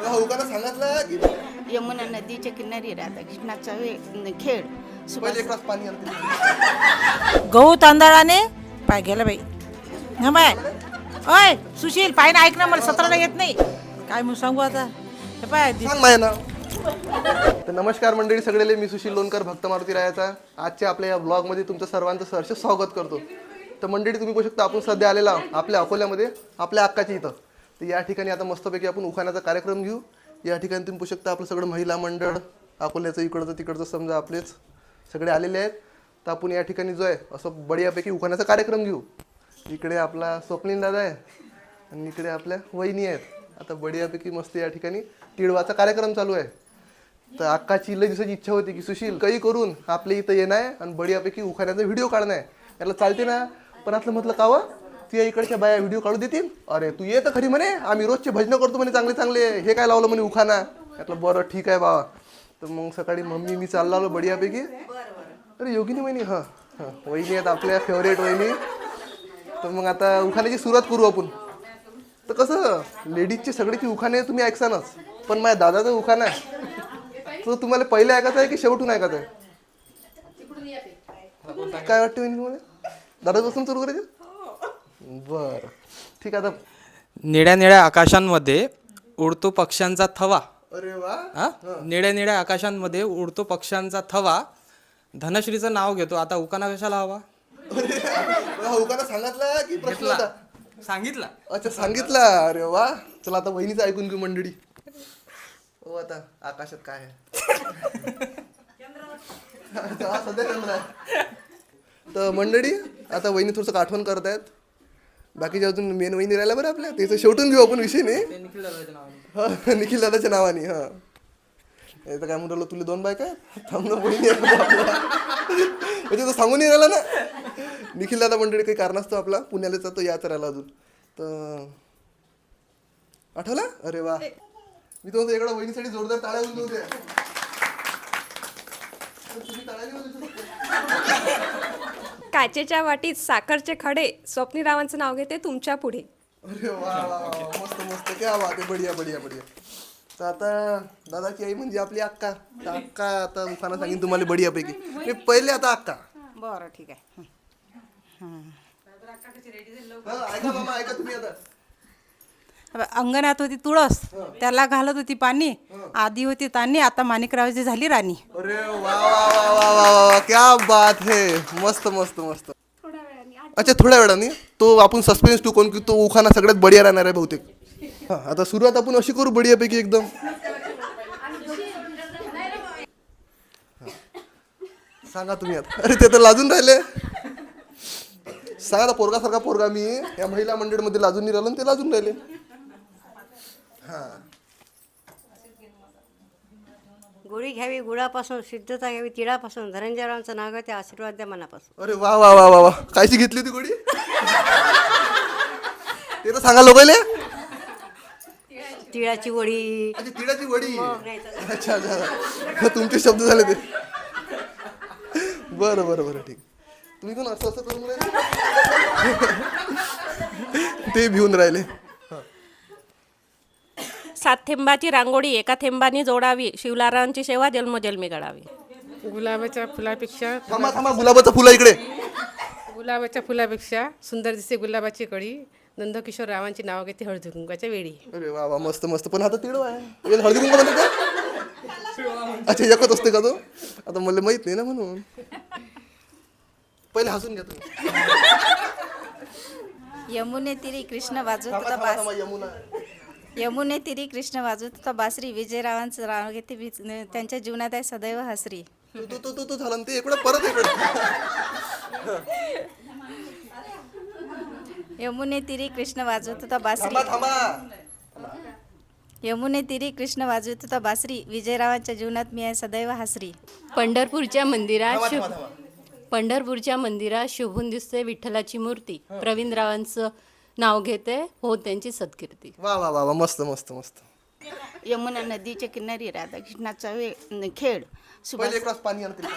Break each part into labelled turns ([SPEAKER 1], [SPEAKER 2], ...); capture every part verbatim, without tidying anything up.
[SPEAKER 1] उखाणा सांगितलं की
[SPEAKER 2] यमुना नदीच्या किनारी राधाकृष्णाचा वे- खेळ
[SPEAKER 1] पहिले एक ग्लास पाणी आणते.
[SPEAKER 3] गहू तांदळाने पाय गेला बाई हा बाय. ओय सुशील पाय ना ऐक ना, मला सतराला येत नाही काय म्हणून सांगू आता. हे पाय दि-
[SPEAKER 1] सांग माझ्या नाव. तर नमस्कार मंडळी सगळेले, मी सुशील लोणकर भक्त मारुती रायाचा आजच्या आपल्या या ब्लॉगमध्ये तुमचं सर्वांचं सहर्ष स्वागत करतो. तर मंडळी तुम्ही बघू शकता आपण सध्या आलेला आहोत आपल्या अकोल्यामध्ये आपल्या अक्काच्या इथं. तर या ठिकाणी आता मस्तपैकी आपण उखाण्याचा कार्यक्रम घेऊ. या ठिकाणी तुम्ही बघू शकता आपलं सगळं महिला मंडळ अकोल्याचं इकडचं तिकडचं समजा आपलेच सगळे आलेले आहेत. तर आपण या ठिकाणी जो आहे असं बढियापैकी उखाण्याचा कार्यक्रम घेऊ. इकडे आपला स्वप्नील दादा आहे आणि इकडे आपल्या वहिनी आहेत. आता बढियापैकी मस्त या ठिकाणी तिळवाचा कार्यक्रम चालू आहे. तर अक्काची लई दिवसाची इच्छा होती की सुशील काही करून आपल्या इथं येणं आहे आणि बढियापैकी उखाण्याचा व्हिडिओ काढणं आहे. याला चालते ना, पण असलं म्हटलं का व तुझ्या इकडच्या बाया व्हिडिओ काढू देतील. अरे तू ये तर खरी म्हणे, आम्ही रोजचे भजनं करतो म्हणे चांगले चांगले, हे काय लावलं म्हणे उखाणा. म्हटलं बरं ठीक आहे बाबा. तर मग सकाळी मम्मी मी चालला आलो बढियापैकी. अरे योगिनी वहिनी, हां हां वहिनी आहेत आपल्या फेवरेट वहिनी. तर मग आता उखाण्याची सुरुवात करू आपण. तर कसं लेडीजचे सगळेची उखाणे तुम्ही ऐकसानच, पण माझ्या दादाचं उखाणं आहे तो तुम्हाला पहिले ऐकायचं आहे की शेवटून ऐकायचं आहे? काय वाटतं वहिनी तुम्हाला? दादापासून सुरू करायचं? बरं ठीक आहे. आता
[SPEAKER 4] निळ्या निळ्या आकाशांमध्ये उडतो पक्ष्यांचा थवा.
[SPEAKER 1] अरे वा,
[SPEAKER 4] हा निळ्या निळ्या आकाशांमध्ये उडतो पक्ष्यांचा थवा. धनश्रीचं नाव घेतो. आता उकाना कशाला हवा?
[SPEAKER 1] उखाणा सांगितला की प्रश्न होता?
[SPEAKER 4] सांगितलं.
[SPEAKER 1] अच्छा सांगितला. अरे वा, चला आता वहिनीचं ऐकून घेऊ मंडळी. हो आता आकाशात काय आहे? हा, सध्या चंद्र आहे. तर मंडळी आता वहिनी थोडंसं आठवण करतायत. बाकीच्या अजून मेन वहिनी राहिल्या बरं आपल्या, त्याचं शेवटून घेऊ आपण विषय नाही. हा निखिल दादाच्या नावाने. हा याचं काय म्हणलं तुला दोन बायका थांब ना वहिनी आहे आपला. म्हणजे तो सांगून नाही राहिला ना. निखिल दादा मंडळी काही कारणास्तव आपला पुण्याला जातो याच राहिला अजून. तर आठवला? अरे वा, मी तो इकडं वहिनीसाठी जोरदार टाळ्या उचलू होत्या. तुम्ही टाळ्या नाही वाजवू शकत.
[SPEAKER 5] काचेच्या वाटीत साखरचे खडे, स्वप्नीरावांचं नाव घेते तुमच्या पुढे.
[SPEAKER 1] अरे वा वा वा, मस्त मस्त, क्या बात आहे, बढिया बढिया बढिया. तर आता दादाची आई म्हणजे आपली अक्का. तर अक्का आता उखाणा सांगेन तुम्हाला बढियापैकी. मी पहिले आता अक्का.
[SPEAKER 3] बरं ठीक आहे.
[SPEAKER 1] हा, ऐका मामा ऐका तुम्ही आता.
[SPEAKER 3] अंगणात होती तुळस, त्याला घालत होती पाणी. आधी होती तानी, आता माणिकरावची झाली राणी.
[SPEAKER 1] अरे वा वा वा वा वा वा, क्या बात है, मस्त मस्त मस्त. अच्छा थोड्या वेळाने तो आपण सस्पेन्स टू कोण की तो उखाणा सगळ्यात बढिया राहणार आहे बहुतेक. हा आता सुरुवात आपण अशी करू बढियापैकी एकदम. सांगा तुम्ही आता. अरे ते तर लाजून राहिले. सांगा पोरगा सारखा पोरगा मी या महिला मंडळमध्ये लाजून नाही राहिलो, ते लाजून राहिले. हा
[SPEAKER 6] गोळी घ्यावी गुळापासून, सिद्धता घ्यावी तिळापासून, धनंजयरावांचं नाव घेते आशीर्वाद द्या मनापासून.
[SPEAKER 1] अरे वा वा वा वा वा, कायची घेतली होती गोडी? ते तर सांगा लोकायले.
[SPEAKER 6] तिळाची वडी.
[SPEAKER 1] अच्छा तिळाची वडी.
[SPEAKER 6] नाही तर-
[SPEAKER 1] अच्छा अच्छा, तुमचे शब्द झाले ते. बरं बरं बरं ठीक. तुम्ही पण असं असं करून राहिले ते भिवून राहिले.
[SPEAKER 7] सात थेंबाची रांगोळी एका थेंबाने जोडावी, शिवलारांची सेवा जन्मजन्मी घडावी.
[SPEAKER 8] गुलाबाच्या फुलापेक्षा
[SPEAKER 1] थांबा थांबा, गुलाबाचं फुलं इकडे.
[SPEAKER 8] गुलाबाच्या फुलापेक्षा सुंदर दिसते गुलाबाची कळी. नंदकिशोर रावांची नाव घेते हळदी कुंकाच्या वेळी.
[SPEAKER 1] अरे वा वा, मस्त मस्त. पण आता तिळ आहे, याला हळदी कुंकू म्हणते का? अच्छा एकच असते का तो? आता मला माहित नाही ना म्हणून. पहिले हसून घ्या तुम्ही.
[SPEAKER 2] यमुने तिरी कृष्ण वाजवत
[SPEAKER 1] थांबा
[SPEAKER 2] होता
[SPEAKER 1] थांबा
[SPEAKER 2] बास
[SPEAKER 1] थांबा, यमुना.
[SPEAKER 2] यमुने तिरी कृष्ण वाजवत होता बासरी. विजयरावांचं नाव घेते विज- त्यांच्या जीवनात आहे सदैव हसरी.
[SPEAKER 1] तो तो तो तो झाला ना ते इकडे परत इकडे.
[SPEAKER 2] यमुने तिरी कृष्ण वाजवत होता बासरी.
[SPEAKER 1] थांबा थांबा.
[SPEAKER 2] यमुने तिरी कृष्ण वाजवत होता बासरी. विजयरावांच्या जीवनात मी आहे सदैव हसरी.
[SPEAKER 7] पंढरपूरच्या मंदिरात
[SPEAKER 1] थांबा
[SPEAKER 7] शुभ
[SPEAKER 1] थांबा थांबा.
[SPEAKER 7] पंढरपूरच्या मंदिरात शोभून दिसते विठ्ठलाची मूर्ती. प्रवीणरावांचं नाव घेते हो त्यांची सत्कीर्ती.
[SPEAKER 1] वा वा वा वा, मस्त मस्त मस्त.
[SPEAKER 2] यमुना नदीच्या किनारी राधाकृष्णाचा वे- खेळ सुभाष
[SPEAKER 1] पहिले एक ग्लास पाणी आणते.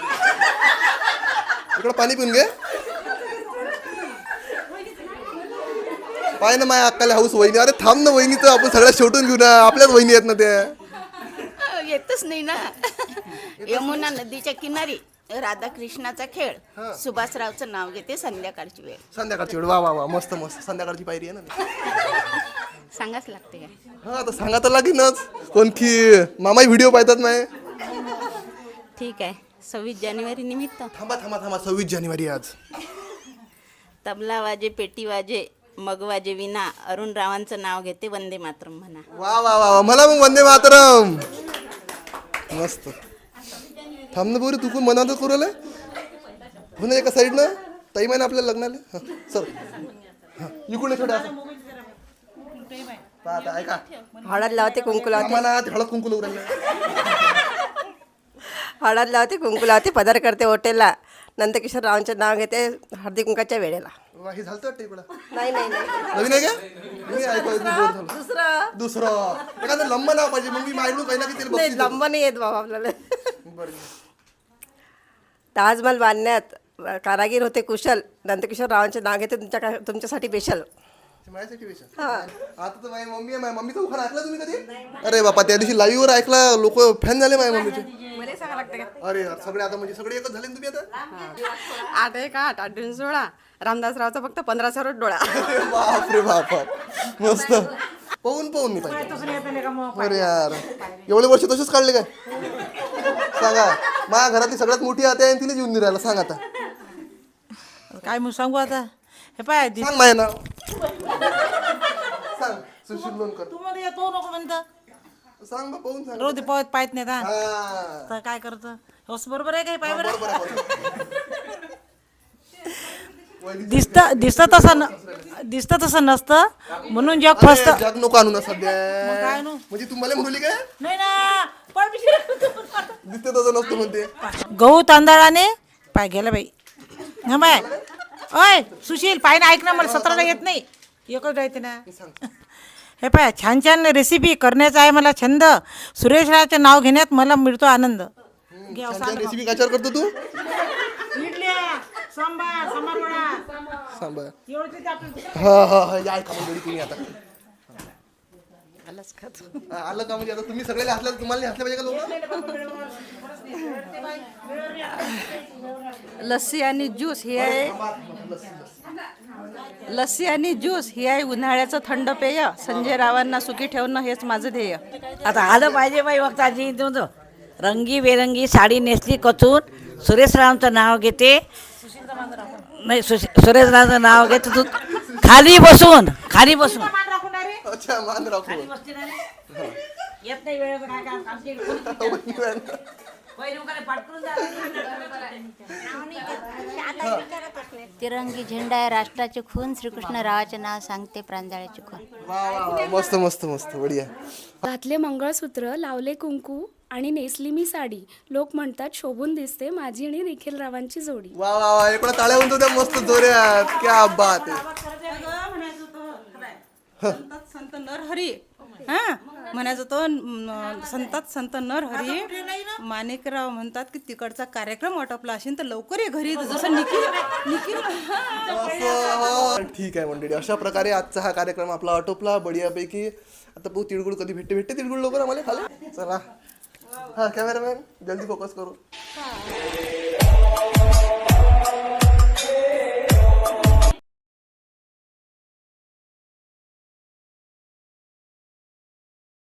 [SPEAKER 1] इकडं पाणी पिऊन घे. पाय ना माझ्या अक्काला हाऊस वहिनी. अरे थांब ना वहिनीचं आपण सगळ्या शेवटून घेऊ ना, आपल्याच वहिनी आहेत ना त्या.
[SPEAKER 2] येतच नाही ना. यमुना नदीच्या किनारी राधाकृष्णाचा खेळ, सुभाषरावचं नाव घेते, संध्याकाळची वेळ.
[SPEAKER 1] संध्याकाळची वेळ. वा वा वा, मस्त मस्त. संध्याकाळची पायरी आहे ना.
[SPEAKER 2] सांगाच लागते काय.
[SPEAKER 1] हा आता सांगा तर लागेनच. कोणती मामाही व्हिडिओ पाहतात नाही.
[SPEAKER 2] ठीक आहे. सव्वीस जानेवारी निमित्त
[SPEAKER 1] थांबा थांबा थांबा सव्वीस जानेवारी आज.
[SPEAKER 2] तबला वाजे, पेटी वाजे, मग वाजे विना, अरुण रावांचं नाव घेते, वंदे मातरम म्हणा.
[SPEAKER 1] वा वा वा वा. मला मग वंदे मातरम. मस्त. थांब ना बोरी, तू कोण मनात करू आलाय हो ना एका साईडनं. ताई माहिती आपल्याला लग्नाला. हा सर हा इकडे छोट्या असं पाहता ऐका.
[SPEAKER 6] हळद लावते कुंकू लावते
[SPEAKER 1] आम्हाला हळद कुंकू लावून राहिलं.
[SPEAKER 6] हळद लावते कुंकू लावते पदार करते हॉटेलला. नंदकिशोर रावांचे नाव घेते हळदी कुंकाच्या वेळेला.
[SPEAKER 1] वा हे झालं वाटतं इकडं.
[SPEAKER 6] नाही नाही नाही
[SPEAKER 1] नवीन आहे का? मी ऐकू ऐकू बोर झालो.
[SPEAKER 6] दुसरं
[SPEAKER 1] दुसरं एखादं लंब नाव पाहिजे, मग मी मायडून पहिला की तिला
[SPEAKER 6] नाही
[SPEAKER 1] बक्षीस
[SPEAKER 6] लंब नाही येत बाबा आपल्याला.
[SPEAKER 1] देतो. बरं.
[SPEAKER 6] ताजमहल बांधण्यात कारागीर होते कुशल. नंदकिशोर रावांचे नाव घेते तुमच्या तुमच्यासाठी स्पेशल.
[SPEAKER 1] माझ्यासाठी विषय. आता तर माझी मम्मी आहे. माझ्या मम्मीचा उखाणा ऐकला तुम्ही कधी? अरे बापा त्या दिवशी लाईव्हवर ऐकला, लोक फॅन झाले माझ्या मम्मीचे.
[SPEAKER 6] मला सांगा लागतं का
[SPEAKER 1] अरे यार, सगळे आता म्हणजे सगळे एकच झाले ना तुम्ही आता.
[SPEAKER 6] आठ एक आठ आठ दोन सोळा. रामदासरावचा फक्त पंधरा सरोड डोळा.
[SPEAKER 1] अरे बाप रे बाप बाप. मस्त. पाहून पाहून मी पाहिजे. अरे यार एवढे वर्ष तसेच काढले काय? सांगा. माझ्या घरातली सगळ्यात मोठी आता आहे, तिने येऊन राहिला. सांग आता.
[SPEAKER 3] काय म्हणून सांगू आता. हे पाय
[SPEAKER 1] सांग माझ्या नाव. सांग सुशील लोणकर.
[SPEAKER 3] तू मला येतो नको म्हणतं.
[SPEAKER 1] सांग बा, पाहून सांग.
[SPEAKER 3] रोज पावत पाहत नाही आता.
[SPEAKER 1] हा.
[SPEAKER 3] तर काय करतं होस बरोबर आहे काय पाय बरं.
[SPEAKER 1] बरोबर आहे, बरोबर.
[SPEAKER 3] दिसतं दिसतं तसं न दिसतं तसं नसतं म्हणून जग
[SPEAKER 1] अरे,
[SPEAKER 3] फसतं.
[SPEAKER 1] जग नको आणू ना सध्या.
[SPEAKER 3] काय आणू?
[SPEAKER 1] म्हणजे तुम्हाला म्हणली काय
[SPEAKER 3] नाही ना पण
[SPEAKER 1] दिसते तसं नसतं म्हणते.
[SPEAKER 3] गहू तांदळाने पाय गेला बाई. हा बाय. ओय सुशील पाय ना ऐक ना, मला सतराला येत नाही. एकच राहते ना. हे पाय छान छान रेसिपी करण्याचा आहे मला छंद. सुरेश रावचे नाव घेण्यात मला मिळतो आनंद. घे अहो, सांग.
[SPEAKER 1] रेसिपी कशावर करतो तू?
[SPEAKER 3] इडल्या, सांबार सांबार वडा
[SPEAKER 1] सांभाळ.
[SPEAKER 3] एवढंच येते आपल्याला.
[SPEAKER 1] हा हा हा या ऐका मंडळी तुम्ही आता. हा, आलं का म्हणजे आता तुम्ही सगळ्याला हसल्या, तुम्हाला नाही हसल्या पाहिजे का लोक?
[SPEAKER 6] लस्सी आणि ज्यूस ही आहे. लस्सी आणि ज्यूस ही आहे उन्हाळ्याचं थंड पेय. संजय रावांना सुखी ठेवणं हेच माझं ध्येय.
[SPEAKER 9] आता आलं पाहिजे बाई वक्ताजी. तुमचं रंगी बेरंगी साडी नेसली कचून सुरेशरावांचं नाव घेते. नाही सुश- सुरेशरावांचं नाव घेते तू खाली बसून खाली बसून.
[SPEAKER 1] अच्छा मान राखू.
[SPEAKER 9] येत नाही वेळेचं काय काम आमच्या इकडे कोणी- पहिले उगाच पाटकून जा.
[SPEAKER 7] तिरंगी झेंडा आहे राष्ट्राचे खून, श्रीकृष्ण रावाचे नाव सांगते प्रांजळाचे खून.
[SPEAKER 1] वा वा वा. मस्त मस्त मस्त बढिया.
[SPEAKER 10] घातले मंगळसूत्र, लावले कुंकू आणि नेसली मी साडी. लोक म्हणतात शोभून दिसते माझी आणि निखिल रावांची जोडी.
[SPEAKER 1] वा वा वा. इकडे टाळ्या म्हणतो त्या मस्त जोऱ्यात. क्या बात आहे.
[SPEAKER 8] संतात संत नरहरी. हा म्हणायचं तो न- संतात संत नरहरी. माणिकराव म्हणतात की तिकडचा कार्यक्रम आटोपला असेल तर लवकर ये घरी. जसं निखिल निखिल
[SPEAKER 1] असं. ठीक आहे मंडळी, अशा प्रकारे आजचा हा कार्यक्रम आपला आटोपला बढियापैकी. आता पाहू तिळगुळ कधी भेटते भेटते तिळगुळ लवकर आम्हाला खाली. चला. हा कॅमेरामॅन जल्दी फोकस करू.